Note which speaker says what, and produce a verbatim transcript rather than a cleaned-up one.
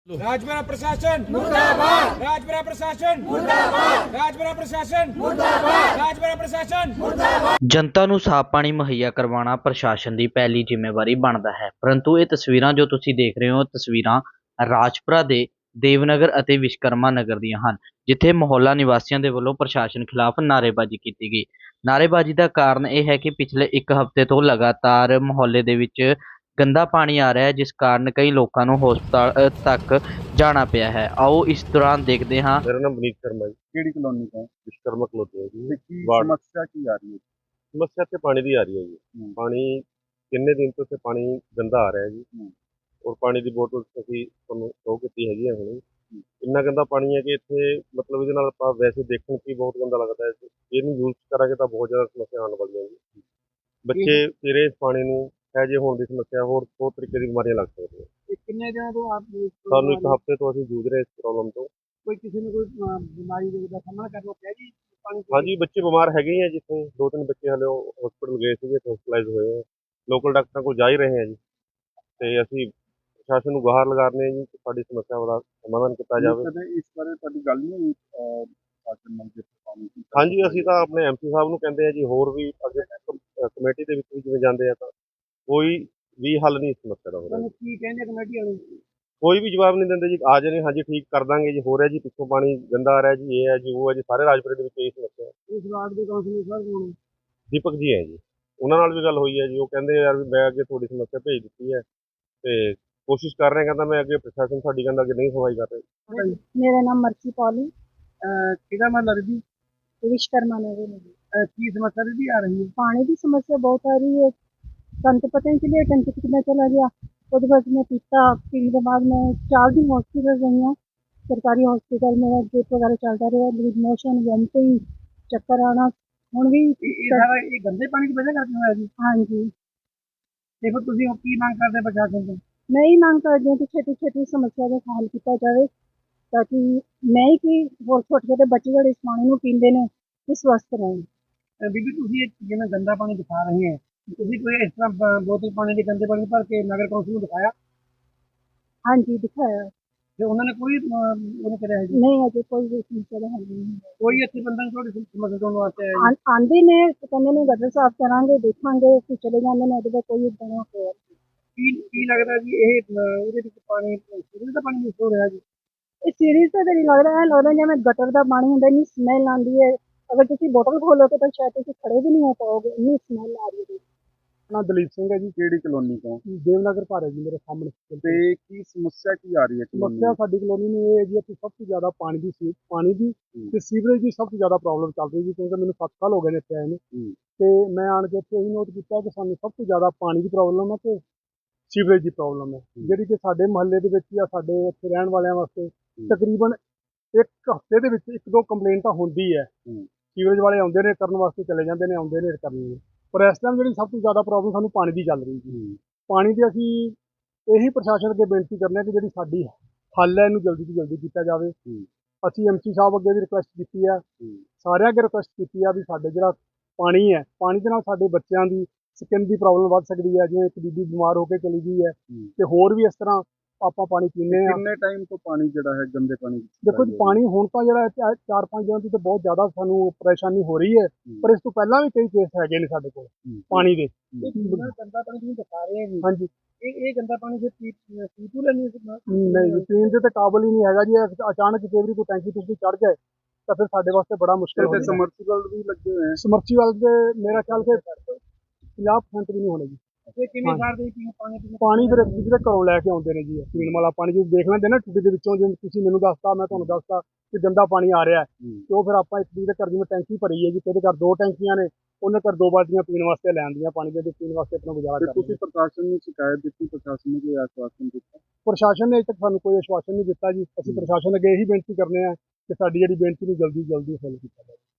Speaker 1: राजपुरा प्रशासन मुर्दाबाद, राजपुरा प्रशासन मुर्दाबाद, राजपुरा प्रशासन मुर्दाबाद, राजपुरा प्रशासन मुर्दाबाद।
Speaker 2: जनता ਨੂੰ ਸਾਫ਼ ਪਾਣੀ ਮੁਹੱਈਆ ਕਰਵਾਉਣਾ ਪ੍ਰਸ਼ਾਸਨ ਦੀ ਪਹਿਲੀ ਜ਼ਿੰਮੇਵਾਰੀ ਬਣਦਾ ਹੈ, ਪਰੰਤੂ ਇਹ ਤਸਵੀਰਾਂ ਜੋ ਤੁਸੀਂ ਦੇਖ ਰਹੇ ਹੋ ਤਸਵੀਰਾਂ ਰਾਜਪੁਰਾ ਦੇ ਦੇਵਨਗਰ ਅਤੇ ਵਿਸ਼ਕਰਮਾ ਨਗਰ ਦੀਆਂ ਹਨ, ਜਿੱਥੇ ਮੁਹੱਲਾ ਨਿਵਾਸੀਆਂ ਦੇ ਵੱਲੋਂ ਪ੍ਰਸ਼ਾਸਨ ਖਿਲਾਫ ਨਾਅਰੇਬਾਜ਼ੀ ਕੀਤੀ ਗਈ। ਨਾਅਰੇਬਾਜ਼ੀ ਦਾ ਕਾਰਨ ਇਹ ਹੈ ਕਿ ਪਿਛਲੇ ਇੱਕ ਹਫ਼ਤੇ ਤੋਂ ਲਗਾਤਾਰ ਮੁਹੱਲੇ ਦੇ ਵਿੱਚ ਗੰਦਾ ਪਾਣੀ ਆ ਰਿਹਾ ਹੈ, ਜਿਸ ਕਾਰਨ ਕਈ ਲੋਕਾਂ ਨੂੰ ਹਸਪਤਾਲ ਤੱਕ ਜਾਣਾ ਪਿਆ ਹੈ। आओ इस दौरान देखते हाँ।
Speaker 3: मेरा नाम विनीत शर्मा है।
Speaker 4: ਕਿਹੜੀ ਕਲੋਨੀ ਤੋਂ
Speaker 3: विश्वकर्मा कलोनी है जी।
Speaker 4: ਤੇ ਕੀ
Speaker 3: ਵਾਰਡ
Speaker 4: ਸਮੱਸਿਆ ਕੀ ਆ ਰਹੀ ਹੈ?
Speaker 3: समस्या ਇੱਥੇ ਪਾਣੀ ਦੀ ਆ ਰਹੀ ਹੈ ਜੀ।
Speaker 4: ਹੂੰ।
Speaker 3: ਪਾਣੀ ਕਿੰਨੇ ਦਿਨ ਤੋਂ ਇੱਥੇ ਪਾਣੀ ਗੰਦਾ ਆ ਰਿਹਾ ਜੀ।
Speaker 4: ਹੂੰ।
Speaker 3: ਔਰ ਪਾਣੀ ਦੀ ਬੋਤਲ ਅਸੀਂ ਤੁਹਾਨੂੰ ਸ਼ੋ ਕੀਤੀ ਹੈਗੀ ਹੈ ਹੁਣੇ। ਇੰਨਾ ਗੰਦਾ ਪਾਣੀ ਹੈ ਕਿ ਇੱਥੇ ਮਤਲਬ ਇਹਦੇ ਨਾਲ ਆਪਾਂ ਵੈਸੇ ਦੇਖਣ 'ਚ ਹੀ ਬਹੁਤ ਗੰਦਾ ਲੱਗਦਾ ਹੈ। ਇਹਨੂੰ ਯੂਜ਼ ਕਰਾਂਗੇ ਤਾਂ ਬਹੁਤ ਜ਼ਿਆਦਾ ਸਮੱਸਿਆ ਆਉਣ ਵਾਲੀਆਂ ਜੀ। ਬੱਚੇ ਤੇਰੇ ਇਸ ਪਾਣੀ ਨੂੰ ਹੈਜੇ ਹੋਣ ਦੀ ਸਮੱਸਿਆ, ਹੋਰ ਬਹੁਤ ਤਰੀਕੇ ਦੀ ਬਿਮਾਰੀਆਂ ਲੱਗ ਸਕਦੀਆਂ।
Speaker 4: ਇਹ ਕਿੰਨੇ ਦਿਨਾਂ ਤੋਂ ਆਪ ਇਸ
Speaker 3: ਸਾਨੂੰ ਇੱਕ ਹਫ਼ਤੇ ਤੋਂ ਅਸੀਂ ਜੂਝ ਰਹੇ ਇਸ ਪ੍ਰੋਬਲਮ ਤੋਂ।
Speaker 4: ਕੋਈ ਕਿਸੇ ਨੂੰ ਕੋਈ ਅਹ, ਬਿਮਾਰੀ ਦੇ ਦਾ ਸਾਹਮਣਾ ਕਰਨਾ ਪਿਆ ਜੀ ਪਾਣੀ ਤੋਂ?
Speaker 3: ਹਾਂਜੀ, ਬੱਚੇ ਬਿਮਾਰ ਹੈਗੇ ਹੀ ਆ। ਜਿੱਥੇ ਦੋ ਤਿੰਨ ਬੱਚੇ ਹਲੇ ਹਸਪੀਟਲ ਗਏ ਸੀਗੇ, ਹਸਪੀਟਲਾਈਜ਼ ਹੋਏ ਆ। ਲੋਕਲ ਡਾਕਟਰਾਂ ਕੋਲ ਜਾ ਹੀ ਰਹੇ ਆ ਜੀ। ਤੇ ਅਸੀਂ ਪ੍ਰਸ਼ਾਸਨ ਨੂੰ ਗੁਹਾਰ ਲਗਾ ਰਹੇ ਹਾਂ ਜੀ ਕਿ ਸਾਡੀ ਸਮੱਸਿਆ ਦਾ ਸਮਾਧਾਨ ਕੀਤਾ ਜਾਵੇ।
Speaker 4: ਕਦੇ ਇਸ ਬਾਰੇ ਤੁਹਾਡੀ ਗੱਲ ਨਹੀਂ ਹੋਈ ਅਹ, ਸ਼ਾਸਨ ਨਾਲ ਜੇ ਪਾਣੀ ਦੀ?
Speaker 3: ਹਾਂਜੀ, ਅਸੀਂ ਤਾਂ ਆਪਣੇ ਐਮ ਸੀ ਸਾਹਿਬ ਨੂੰ ਕਹਿੰਦੇ ਆ ਜੀ, ਹੋਰ ਵੀ ਅੱਗੇ ਕਮ- ਕਮੇਟੀ ਦੇ ਵਿੱਚ ਵੀ ਜਿਵੇਂ ਜਾਂਦੇ ਆ, ਤਾਂ ਕੋਈ ਵੀ ਹੱਲ ਨਹੀਂ ਇਸ ਸਮੱਸਿਆ ਦਾ ਹੋ ਰਿਹਾ।
Speaker 4: ਤੁਹਾਨੂੰ ਕੀ ਕਹਿੰਦੇ ਕਮੇਟੀ ਵਾਲੇ?
Speaker 3: ਕੋਈ ਵੀ ਜਵਾਬ ਨਹੀਂ ਦਿੰਦੇ ਜੀ। ਆ ਜਾਣੇ, ਹਾਂਜੀ ਠੀਕ ਕਰ ਦਾਂਗੇ ਜੀ, ਹੋ ਰਿਹਾ ਜੀ, ਪਿੱਛੋਂ ਪਾਣੀ ਗੰਦਾ ਆ ਰਿਹਾ ਜੀ, ਇਹ ਹੈ ਜੀ, ਉਹ ਹੈ ਜੀ। ਸਾਰੇ ਰਾਜਪੁਰੇ ਦੇ ਵਿੱਚ ਇਹ ਸਮੱਸਿਆ ਹੈ।
Speaker 4: ਇਸ ਵਾਰਡ ਦੇ ਕਾਉਂਸਲਰ ਸਾਹਿਬ ਕੋਲ
Speaker 3: ਦੀਪਕ ਜੀ ਹੈ ਜੀ, ਉਹਨਾਂ ਨਾਲ ਵੀ ਗੱਲ ਹੋਈ ਹੈ ਜੀ। ਉਹ ਕਹਿੰਦੇ ਯਾਰ ਵੀ ਮੈਂ ਅੱਗੇ ਤੁਹਾਡੀ ਸਮੱਸਿਆ ਭੇਜ ਦਿੱਤੀ ਹੈ ਤੇ ਕੋਸ਼ਿਸ਼ ਕਰ ਰਹੇ। ਕਹਿੰਦਾ ਮੈਂ ਅੱਗੇ ਪ੍ਰਸ਼ਾਸਨ ਸਾਡੀ ਕਹਿੰਦਾ ਅੱਗੇ ਨਹੀਂ ਸੁਣਵਾਈ ਕਰ ਰਹੇ।
Speaker 5: मेरा नाम मर्सी पॉली
Speaker 4: ਕਿਹਦਾ ਮਤਲਬ ਜੀ
Speaker 5: विश्वकर्मा नगर में है।
Speaker 4: ਅਹ, ਕੀ ਸਮੱਸਿਆ ਦੀ ਆ ਰਹੀ ਹੈ?
Speaker 5: पानी की समस्या बहुत आ रही है। सन तो पता नहीं चलिए टंकी कितना चला गया। उसके बाद मैं पीता पीने के बाद मैं चार दिन हॉस्पिटल रही हूँ। सरकारी हॉस्पिटल में ड्रिप वगैरह चलता रहा, लूज मोशन, वोमिटिंग, चक्कर आना। ਹੁਣ ਵੀ
Speaker 4: ਇਹ ਇਹ ਸਾਰਾ ਇਹ ਗੰਦੇ ਪਾਣੀ ਦੀ ਵਜ੍ਹਾ ਕਰਕੇ ਹੋਇਆ ਜੀ।
Speaker 5: ਹਾਂਜੀ,
Speaker 4: ਤੇ ਫਿਰ ਤੁਸੀਂ ਹੁਣ ਕੀ ਮੰਗ ਕਰਦੇ ਪ੍ਰਸ਼ਾਸਨ ਤੋਂ?
Speaker 5: मैं ही मांग करती हूँ कि छेती छेती समस्या का हल किया जाए, ताकि मैं ही कि ਹੋਰ ਛੋਟੇ ਛੋਟੇ ਬੱਚੇ ਜਿਹੜੇ ਇਸ ਪਾਣੀ ਨੂੰ ਪੀਂਦੇ ਨੇ ਇਹ ਸਵਸਥ ਰਹਿਣ।
Speaker 4: ਅਹ, ਬੀਬੀ ਤੁਸੀਂ ਇਹ ਜਿਵੇਂ ਗੰਦਾ ਪਾਣੀ ਦਿਖਾ ਰਹੇ ਹੈ, ਤੁਸੀਂ ਕੋਈ ਇਸ ਤਰ੍ਹਾਂ ਬ- ਬੋਤਲ ਪਾਣੀ ਦੇ ਗੰਦੇ ਪਾਣੀ ਭਰ ਕੇ ਨਗਰ ਕੌਂਸਲ ਨੂੰ ਦਿਖਾਇਆ
Speaker 5: ਹਾਂਜੀ ਦਿਖਾਇਆ,
Speaker 4: ਤੇ ਉਹਨਾਂ ਨੇ ਕੋਈ ਅਹ, ਉਹਨੇ ਕਰਿਆ ਹੈ ਜੀ?
Speaker 5: ਨਹੀਂ ਅਜੇ ਕੋਈ ਵੀ ਸਮੱਸਿਆ ਦਾ ਹੱਲ ਨਹੀਂ ਹੈ।
Speaker 4: ਕੋਈ ਇੱਥੇ ਬੰਦਾ ਨੀ ਤੁਹਾਡੀ ਸਮੱਸਿਆ ਤੋਂ ਵਾਸਤੇ ਆਇਆ ਜੀ?
Speaker 5: ਆਂ- ਆਂਦੇ ਨੇ ਤੇ ਕਹਿੰਦੇ ਨੇ ਗਟਰ ਸਾਫ਼ ਕਰਾਂਗੇ, ਦੇਖਾਂਗੇ, ਫਿਰ ਚਲੇ ਜਾਂਦੇ ਨੇ। ਉਹਦੇ ਕੋਈ ਇਦਾਂ ਦਾ ਹੋਇਆ
Speaker 4: ਕੀ ਕੀ ਲੱਗਦਾ ਜੀ ਇਹ ਅਹ, ਇਹਦੇ ਵਿੱਚ ਪਾਣੀ ਸੀਵਰੇਜ ਦਾ ਪਾਣੀ ਮਿਕਸ ਹੋ ਰਿਹਾ ਜੀ?
Speaker 5: ਇਹ ਸੀਰੀਜ਼ ਤਾਂ ਨਹੀਂ ਲੱਗ ਰਿਹਾ, ਲੱਗਦਾ ਜਿਵੇਂ ਗਟਰ ਦਾ ਪਾਣੀ ਹੁੰਦਾ, ਇੰਨੀ ਸਮੈਲ ਆਉਂਦੀ ਹੈ। ਅਗਰ ਤੁਸੀਂ ਬੋਤਲ ਖੋਲੋਗੇ ਤਾਂ ਸ਼ਾਇਦ ਤੁਸੀਂ ਖੜੇ ਵੀ ਨਹੀਂ ਹੋ ਪਾਓਗੇ, ਇੰਨੀ ਸਮੈਲ ਆ ਰਹੀ ਹੈ।
Speaker 4: ਨਾ ਦਲੀਪ ਸਿੰਘ ਹੈ ਜੀ। ਕਿਹੜੀ ਕਲੋਨੀ ਤੋਂ?
Speaker 6: ਦੇਵਨਗਰ ਘਰ ਹੈ ਜੀ ਮੇਰੇ ਸਾਹਮਣੇ।
Speaker 4: ਤੇ ਕੀ ਸਮੱਸਿਆ ਕੀ ਆ ਰਹੀ ਹੈ ਕਲੋਨੀ
Speaker 6: ਸਮੱਸਿਆ ਸਾਡੀ ਕਲੋਨੀ ਨੂੰ ਇਹ ਹੈ ਜੀ ਕਿ ਸਭ ਤੋਂ ਜ਼ਿਆਦਾ ਪਾਣੀ ਦੀ ਸੀ ਪਾਣੀ ਦੀ ਤੇ ਸੀਵਰੇਜ ਦੀ ਸਭ ਤੋਂ ਜ਼ਿਆਦਾ ਪ੍ਰੋਬਲਮ ਚੱਲ ਰਹੀ ਜੀ, ਕਿਉਂਕਿ ਮੈਨੂੰ ਸੱਤ ਸਾਲ ਹੋ ਗਏ ਨੇ ਇੱਥੇ ਆਏ ਨੂੰ।
Speaker 4: ਹੂੰ।
Speaker 6: ਤੇ ਮੈਂ ਆਣ ਕੇ ਇੱਥੇ ਇਹੀ ਨੋਟ ਕੀਤਾ ਕਿ ਸਾਨੂੰ ਸਭ ਤੋਂ ਜ਼ਿਆਦਾ ਪਾਣੀ ਦੀ ਪ੍ਰੋਬਲਮ ਹੈ ਤੇ ਸੀਵਰੇਜ ਦੀ ਪ੍ਰੋਬਲਮ ਹੈ, ਜਿਹੜੀ ਕਿ ਸਾਡੇ ਮੁਹੱਲੇ ਦੇ ਵਿੱਚ ਜਾਂ ਸਾਡੇ ਇੱਥੇ ਰਹਿਣ ਵਾਲਿਆਂ ਵਾਸਤੇ ਤਕਰੀਬਨ ਇੱਕ ਹਫ਼ਤੇ ਦੇ ਵਿੱਚ ਇੱਕ ਦੋ ਕੰਪਲੇਂਟ ਤਾਂ ਹੁੰਦੀ ਹੈ।
Speaker 4: ਹੂੰ।
Speaker 6: ਸੀਵਰੇਜ ਵਾਲੇ ਆਉਂਦੇ ਨੇ ਕਰਨ ਵਾਸਤੇ, ਚਲੇ ਜਾਂਦੇ ਨੇ, ਆਉਂਦੇ ਨੇ ਕਰਨ ਨੂੰ। ਪਰ ਇਸ ਟਾਈਮ ਜਿਹੜੀ ਸਭ ਤੋਂ ਜ਼ਿਆਦਾ ਪ੍ਰੋਬਲਮ ਸਾਨੂੰ ਪਾਣੀ ਦੀ ਚੱਲ ਰਹੀ ਜੀ। ਪਾਣੀ ਦੀ ਅਸੀਂ ਇਹੀ ਪ੍ਰਸ਼ਾਸਨ ਅੱਗੇ ਬੇਨਤੀ ਕਰਨੇ ਆ ਕਿ ਜਿਹੜੀ ਸਾਡੀ ਹੱਲ ਹੈ ਇਹਨੂੰ ਜਲਦੀ ਤੋਂ ਜਲਦੀ ਕੀਤਾ ਜਾਵੇ। ਅਸੀਂ ਐਮ ਸੀ ਸਾਹਿਬ ਅੱਗੇ ਵੀ ਰਿਕੁਐਸਟ ਕੀਤੀ ਹੈ, ਸਾਰਿਆਂ ਅੱਗੇ ਰਿਕੁਐਸਟ ਕੀਤੀ ਹੈ ਵੀ ਸਾਡੇ ਜਿਹੜਾ ਪਾਣੀ ਹੈ, ਪਾਣੀ ਦੇ ਨਾਲ ਸਾਡੇ ਬੱਚਿਆਂ ਦੀ ਸਕਿਨ ਦੀ ਪ੍ਰੋਬਲਮ ਵੱਧ ਸਕਦੀ ਹੈ। ਜਿਵੇਂ ਇੱਕ ਬੀਬੀ ਬਿਮਾਰ ਹੋ ਕੇ ਚਲੀ ਗਈ ਹੈ ਤੇ ਹੋਰ ਵੀ ਇਸ ਤਰ੍ਹਾਂ ਆਪਾਂ ਪਾਣੀ ਪੀਂਦੇ ਆ।
Speaker 4: ਕਿੰਨੇ ਟਾਈਮ ਤੋਂ ਪਾਣੀ ਜਿਹੜਾ ਹੈ ਗੰਦੇ ਪਾਣੀ ਵਿੱਚ
Speaker 6: ਦੇਖੋ ਜੀ, ਪਾਣੀ ਹੁਣ ਤਾਂ ਜਿਹੜਾ ਹੈ ਚਾਰ ਪੰਜ ਦਿਨਾਂ ਤੋਂ ਤਾਂ ਬਹੁਤ ਜ਼ਿਆਦਾ ਸਾਨੂੰ ਪਰੇਸ਼ਾਨੀ ਹੋ ਰਹੀ ਹੈ, ਪਰ ਇਸ ਤੋਂ ਪਹਿਲਾਂ ਵੀ ਕਈ ਕੇਸ ਹੈਗੇ ਨੇ ਸਾਡੇ ਕੋਲ ਪਾਣੀ ਦੇ।
Speaker 4: ਇਹ ਜਿਹੜਾ ਗੰਦਾ ਪਾਣੀ ਤੁਸੀਂ ਦਿਖਾ ਰਹੇ ਹੋ
Speaker 6: ਹਾਂਜੀ,
Speaker 4: ਇਹ ਇਹ ਗੰਦਾ ਪਾਣੀ ਫਿਰ ਪੀ ਪੀ ਤੂ ਲੈਣੀ ਹੈ?
Speaker 6: ਨਹੀਂ ਜੀ, ਪੀਣ ਦੇ ਤੇ ਕਾਬਲ ਹੀ ਨਹੀਂ ਹੈਗਾ ਜੀ। ਇਹ ਅਚਾਨਕ ਕਈ ਵਾਰੀ ਕੋਈ ਟੈਂਕੀ ਟੂਕੀ ਚੜ ਜਾਏ ਤਾਂ ਫਿਰ ਸਾਡੇ ਵਾਸਤੇ ਬੜਾ ਮੁਸ਼ਕਿਲ ਹੋ
Speaker 4: ਤੇ
Speaker 6: ਜਾਂਦਾ।
Speaker 4: ਸਮਰਸੀਬਲ ਵੀ ਲੱਗੇ ਹੋਏ ਹੈ।
Speaker 6: ਸਮਰਸੀਬਲ ਦੇ ਮੇਰਾ ਖਿਆਲ ਕਿ ਪੰਜਾਹ ਪਰਸੈਂਟ ਵੀ ਨਹੀਂ ਹੋਣੇ ਜੀ।
Speaker 4: ਤੇ ਕਿੰਨੇ
Speaker 6: ਹਾਂਜੀ।
Speaker 4: ਸਾਲ ਦੇ ਪੀਣ ਪਾਣੀ ਪੀਣ?
Speaker 6: ਪਾਣੀ ਫਿਰ ਕਿਸੇ ਦੇ ਘਰੋਂ ਲੈ ਕੇ ਆਉਂਦੇ ਨੇ ਜੀ, ਇਹ ਪੀਣ ਵਾਲਾ ਪਾਣੀ ਜਦੋਂ ਦੇਖ ਲੈਂਦੇ ਨਾ ਟੂਟੀ ਦੇ ਵਿੱਚੋਂ, ਜਿਵੇਂ ਤੁਸੀਂ ਮੈਨੂੰ ਦੱਸਤਾ, ਮੈਂ ਤੁਹਾਨੂੰ ਦੱਸਤਾ ਕਿ ਗੰਦਾ ਪਾਣੀ ਆ ਰਿਹਾ ਹੈ, ਤੇ ਉਹ ਫਿਰ ਆਪਾਂ ਇੱਕ ਦੂਜੇ ਦੇ ਘਰ ਜਿਵੇਂ ਟੈਂਕੀ ਭਰੀ ਹੈ ਜੀ, ਤੇਰੇ ਘਰ ਦੋ ਟੈਂਕੀਆਂ ਨੇ, ਉਹਨੇ ਘਰ ਦੋ ਬਾਲਟੀਆਂ ਪੀਣ ਵਾਸਤੇ ਲੈ ਆਉਂਦੀਆਂ ਪਾਣੀ ਦੇ, ਤੇ ਪੀਣ ਵਾਸਤੇ ਆਪਣਾ ਗੁਜ਼ਾਰਾ
Speaker 4: ਤੇ
Speaker 6: ਕਰਦੇ
Speaker 4: ਤੁਸੀਂ ਪ੍ਰਸ਼ਾਸਨ ਨੂੰ ਸ਼ਿਕਾਇਤ ਦਿੱਤੀ, ਪ੍ਰਸ਼ਾਸਨ ਨੇ ਕੋਈ ਆਸ਼ਵਾਸਨ ਦਿੱਤਾ?
Speaker 6: ਪ੍ਰਸ਼ਾਸਨ ਨੇ ਅਜੇ ਤੱਕ ਸਾਨੂੰ ਕੋਈ ਆਸ਼ਵਾਸਨ ਨਹੀਂ ਦਿੱਤਾ ਜੀ। ਅਸੀਂ ਪ੍ਰਸ਼ਾਸਨ ਅੱਗੇ ਇਹੀ ਬੇਨਤੀ ਕਰਨੇ ਆ ਕਿ ਸਾਡੀ ਜਿਹੜੀ ਬੇਨਤੀ ਨੂੰ ਜਲਦੀ ਜਲਦੀ ਹੱਲ ਕੀਤਾ ਜਾਵੇ।